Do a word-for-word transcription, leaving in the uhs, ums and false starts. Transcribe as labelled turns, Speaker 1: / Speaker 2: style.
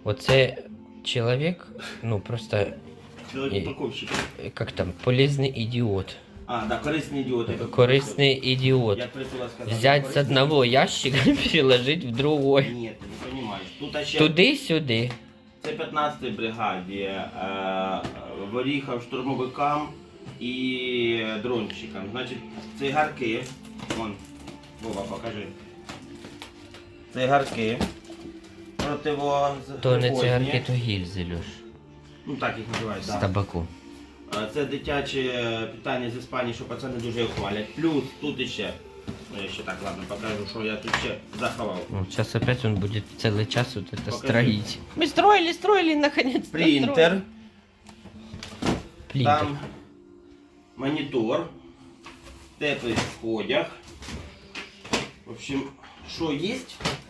Speaker 1: Оце чоловік, ну просто,
Speaker 2: Чоловік-упаковщик.
Speaker 1: як там, полезний ідіот.
Speaker 2: А, да, корисний ідіот. я
Speaker 1: Корисний ідіот.
Speaker 2: Я притула сказав.
Speaker 1: Взять з
Speaker 2: корисний
Speaker 1: одного ящика і переложить в другой.
Speaker 2: ідіот. Ні, ти не розумієш. Тут ще...
Speaker 1: Туди-сюди.
Speaker 2: Це п'ятнадцятій бригаді, е, Воріхав штурмовикам і дронщикам. Значить, цигарки, вон, Вова, покажи. Цигарки, противо...
Speaker 1: То не цигарки, то гільзи, Льош.
Speaker 2: Ну так їх називають,
Speaker 1: З
Speaker 2: так.
Speaker 1: табаку.
Speaker 2: Да. Це дитяче питання з Іспанії, що пацани дуже його хвалять. Плюс тут іще, ну я ще так, ладно, покажу, що я тут ще заховав.
Speaker 1: Ну, сейчас опять он будет целый час вот это
Speaker 2: Покажи.
Speaker 1: строить. Мы строили, строили, наконец-то
Speaker 2: Принтер.
Speaker 1: Принтер.
Speaker 2: Там монітор, теплий одяг. В общем, що є,